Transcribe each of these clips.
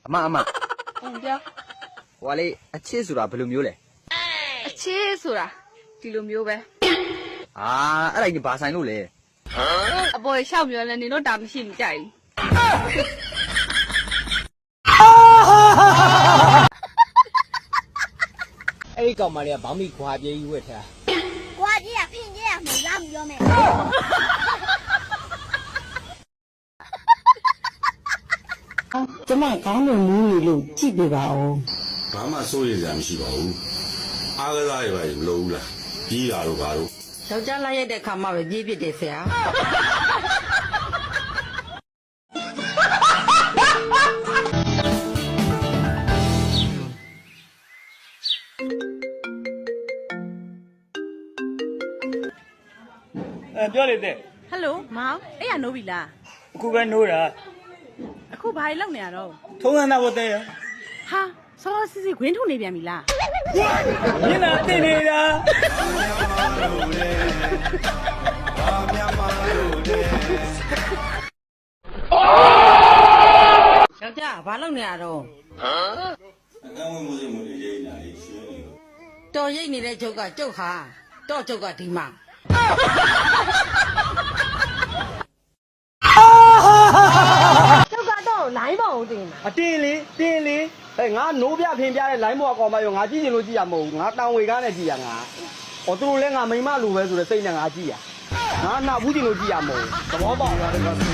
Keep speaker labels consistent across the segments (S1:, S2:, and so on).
S1: အမ
S2: ပြော
S1: ဟိုကလေအချစ်ဆိုတာဘယ်လိုမျိုးလဲ
S2: အချစ်ဆိုတာဒီလိုမျိုးပဲ
S1: အာအဲ့ဒါကြီးဘာဆိုင်လို့လဲ
S2: အပေါ်ရှောက်ပြောလဲနေတော့တာမရှိမကြိုက်ဘူး
S3: အဲ့ဒီကောင်မလေးကဘောင်းမီခွာပြေးကြီးဝက်ထား
S4: 瓜姐呀，骗姐呀，没拉没着没。
S5: ကျမကောင်းလို့မူးနေလို့ကြည့်ပြပါဦး
S6: ဘာမှစိုးရိမ်စရာမရှိပါဘူးအားကစားရပါရင်မလုပ်ဘူးလားကြီးတာတို့ဘာလို့
S5: ယောက်ျားလိုက်ရတဲ့ခါမှပဲပြေးပြစ်တယ်ဆရာ
S3: ပြောလေတဲ့
S7: ဟယ်လိုမောင်အဲ့ရနိုးပြီလား
S3: အခုပဲနိုးတာ
S7: အခုဘာတွေလုပ်နေရတော့
S3: ထုံးစံသားဘတဲ့ရ
S7: ဟာစောစစ်စစ်ခွင်းထုတ်နေပြန်ပြီလား
S3: မျက်နှာတင်နေတာ
S5: ယောက်ျားဘာလုပ်နေရတော့
S6: အကန့်ဝင်မှုစိတ်မှုတွေရိတ်နေတာလေရှင်းနေလို့
S5: တော်ရိတ်နေတဲ့ချုပ်ကကျုပ်ဟာတော့ကျုပ်ကဒီမှာ
S4: 这个都来不的嘛。
S3: အတင်းလေတင်းလေဟဲ့ငါနိုးပြဖင်ပြတဲ့ line ဘောကောင်မရောငါကြည့်ချင်လို့ကြည့်ရမဟုတ်ဘူးငါတောင်ဝေကားနဲ့ကြည့်ရငါဟောသူတို့လည်းငါမိမလိုပဲဆိုတဲ့စိတ်နဲ့ငါကြည့်ရငါနာဘူးချင်လို့ကြည့်ရမဟုတ်ဘူးသဘောပေါက်လား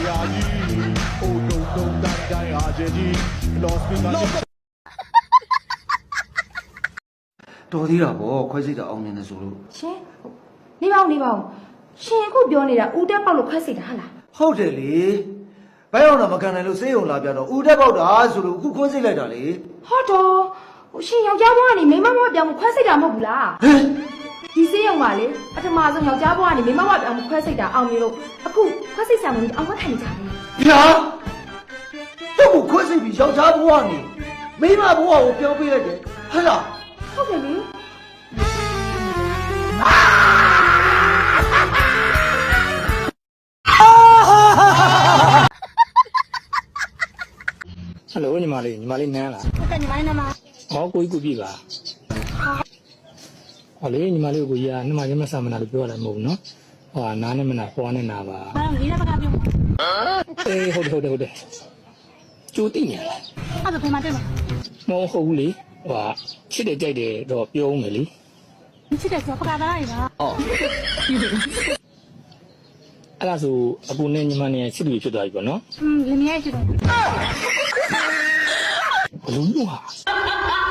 S8: တော်သေးတာပေါ့ခွဲစိတ်တာအောင်မြင်နေဆိုလို့
S4: ရှင်နေပါဦးရှင်အခုပြောနေတာဦးတက်ပေါက်လို့ခွဲစိတ်တာဟာလား
S8: ဟုတ်တယ်လေဘယ်အောင်တော့မကန်နိုင်လို့စေးုံလာပြတော့ဦးတက်ပေါက်တာဆိုလို့အခုခွဲစိတ်လိုက်တာလေ
S4: ဟုတ်တော့ရှင်ယောက်ျားဘွားကနေမိန်းမဘွားပြောင်းခွဲစိတ်တာမဟုတ်ဘူးလား
S8: ဟမ်
S4: ဒီစေးရုံပါလေပထမဆုံးယောက်ျားဘွားကနေမိန်းမဘွားပြောင်းခွဲစိတ်တာအောင်မြင်လို့အခုခွဲစိတ်ဆံမလို့အောင်မခံနေကြဘူး
S8: ဗျာတော့ခွဲစိတ်ပြီးယောက်ျားဘဝနေမိန်းမဘဝကိုပြောင်းပေးလိုက်တယ်ဟဲ့လား
S4: ဟုတ်တယ်လေ
S3: ဟယ်လိုညီမလေးနန်းလား
S4: ဟုတ်တယ်ညီမလေးနမ
S3: ဟောကိုကြီးကိုပြည့်ပါဟောလေညီမလေးကိုကြီးကနှမချင်းမဆာမနာလို့ပြောရတယ်မဟုတ်ဘူးနော်ဟောနားနဲ့မနာပွားနဲ့နာပါ
S4: ဘာလို့လေးဘက်ကပြော
S3: အေးဟုတ်တယ်ကျိုးတိနေလား
S4: အဲ့ဒါဘယ်မှာတွေ့မှာ
S3: မဟုတ်ဘူးလေဟိုချစ်တယ်ကြိုက်တယ်တော့ပြောဦးမယ်လေ
S4: မချစ်တယ်ဆိုပကားသားရတာ
S3: အော်အဲ့ဒါဆိုအကူနဲ့ညီမနဲ့ချစ်သူဖြစ်သွားပြီပေါ့နော်
S4: လင်းရဲရှိတယ်
S3: ဘလုံးလို့ဟာ